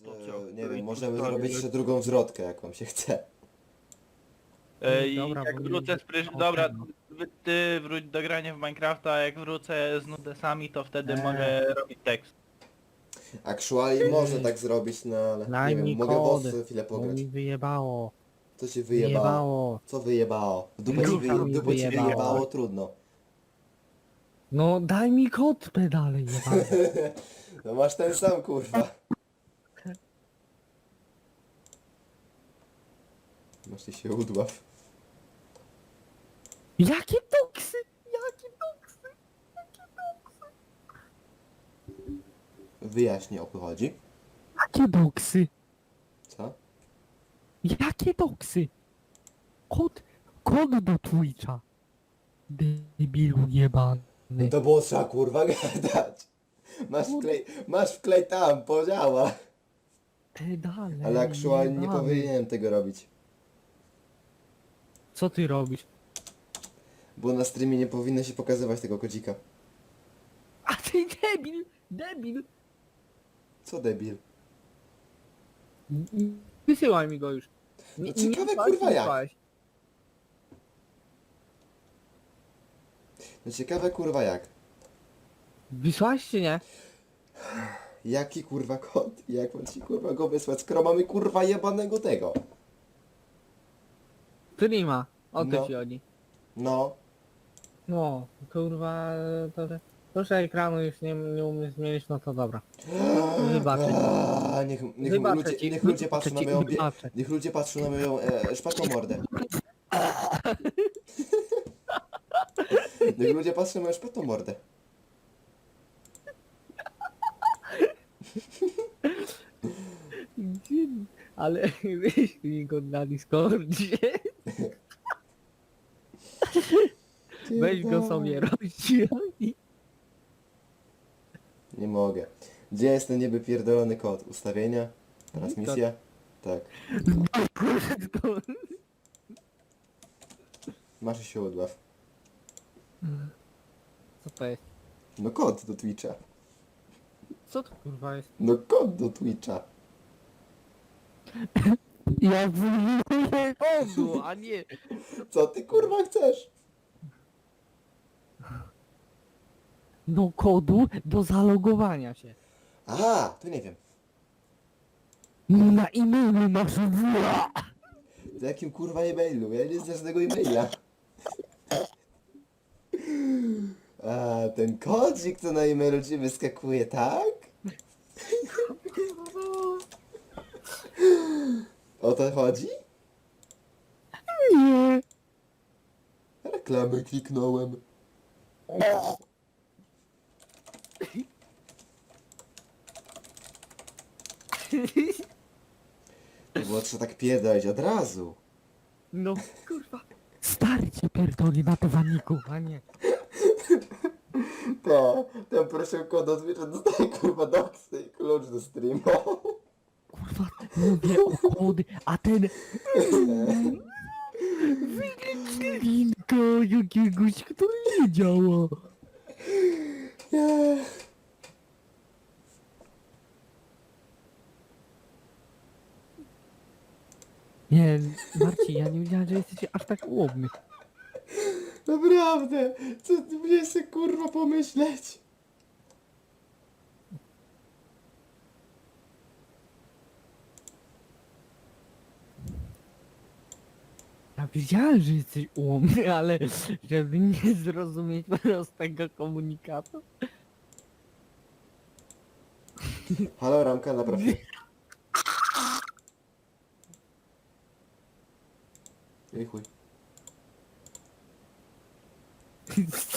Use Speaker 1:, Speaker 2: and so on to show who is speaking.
Speaker 1: To co?
Speaker 2: nie wiem,
Speaker 1: I
Speaker 2: możemy
Speaker 1: tu
Speaker 2: zrobić jeszcze drugą zwrotkę, jak wam się chce.
Speaker 1: I
Speaker 3: Dobra,
Speaker 1: jak
Speaker 3: bo
Speaker 1: wrócę z
Speaker 3: nie-
Speaker 1: Dobra,
Speaker 3: no.
Speaker 1: ty wróć do grania w Minecrafta, a jak wrócę z nudesami, to wtedy mogę robić tekst.
Speaker 2: Actually można tak zrobić, no ale
Speaker 3: Daj
Speaker 2: nie wiem,
Speaker 3: mi
Speaker 2: mogę
Speaker 3: kod,
Speaker 2: was chwilę
Speaker 3: bo
Speaker 2: pograć.
Speaker 3: mi wyjebało.
Speaker 2: Co ci wyjebało?
Speaker 3: Wyjebało.
Speaker 2: Co wyjebało? W dupę ci,
Speaker 3: Gówno mi
Speaker 2: dupę ci
Speaker 3: wyjebało.
Speaker 2: wyjebało, trudno.
Speaker 3: No daj mi kod pedale jebany.
Speaker 2: No masz ten sam, kurwa. Masz ty się udław.
Speaker 3: Jakie toksy? Jakie toksy?
Speaker 2: Wyjaśnij, o co chodzi.
Speaker 3: Jakie doksy?
Speaker 2: Co?
Speaker 3: Jakie doksy? Kod do Twitcha. Debilu jebany.
Speaker 2: No to było trzeba, kurwa, gadać. Masz wklej tam, podziała.
Speaker 3: Pedale
Speaker 2: Ale aktualnie nie
Speaker 3: jebany.
Speaker 2: powinienem tego robić.
Speaker 3: Co ty robisz?
Speaker 2: Bo na streamie nie powinno się pokazywać tego kodzika.
Speaker 3: A ty debil! Debil!
Speaker 2: Co debil?
Speaker 3: Wysyłaj mi go już.
Speaker 2: No ciekawe,
Speaker 3: wysłałeś,
Speaker 2: kurwa,
Speaker 3: nie
Speaker 2: jak?
Speaker 3: wysłałeś.
Speaker 2: No ciekawe, kurwa, jak?
Speaker 3: Wysłałeś czy nie?
Speaker 2: Jaki kurwa kod? Jak mam ci kurwa go wysłać, skoro mamy kurwa jebanego tego?
Speaker 3: Streama. O to
Speaker 2: No.
Speaker 3: ci chodzi.
Speaker 2: No.
Speaker 3: No, kurwa, proszę ekranu już nie umiesz zmienić, no to dobra. Wybaczę. Wybaczę ci,
Speaker 2: Niech ludzie patrzą na
Speaker 3: wybaczę ci,
Speaker 2: moją
Speaker 3: wybaczę.
Speaker 2: niech ludzie patrzą na moją szpatą mordę. Niech ludzie patrzą na moją szpatą mordę.
Speaker 3: Ale wyślij go na Discordzie. Weź go sobie rozdzielnij.
Speaker 2: Nie mogę. Gdzie jest ten nieby pierdolony kod? Ustawienia? Transmisja? Tak. Masz się odław.
Speaker 3: Co to jest?
Speaker 2: No kod do Twitcha.
Speaker 3: Co to kurwa jest?
Speaker 2: No kod do Twitcha.
Speaker 3: Ja wyjmuję kodu, a nie...
Speaker 2: Co ty kurwa chcesz?
Speaker 3: No kodu do zalogowania się.
Speaker 2: Aha, to nie wiem.
Speaker 3: No na e-mailu masz
Speaker 2: W jakim kurwa e-mailu? Ja nie znam żadnego e-maila. A, ten kodzik co na e-mailu ci wyskakuje, tak? O to chodzi?
Speaker 3: Nie.
Speaker 2: Reklamę kliknąłem. To było trzeba tak pierdolić od razu.
Speaker 3: No kurwa. Stary cię pierdoli na dywaniku, a nie.
Speaker 2: Ten proszę kod od Twitcha dostaje kurwa doksy i klucz do streama.
Speaker 3: Kurwa, mówię o kody, a ten... Wygląd linka jakiegoś, który nie działa. Nie, Marcin, ja nie wiedziałem, że jesteś aż tak łobny.
Speaker 2: Naprawdę, co ty mnie się kurwa pomyśleć?
Speaker 3: Ja wiedziałem, że jesteś ułomny, ale żeby nie zrozumieć prostego komunikatu.
Speaker 2: Halo, Ramka, naprawdę. Ej chuj.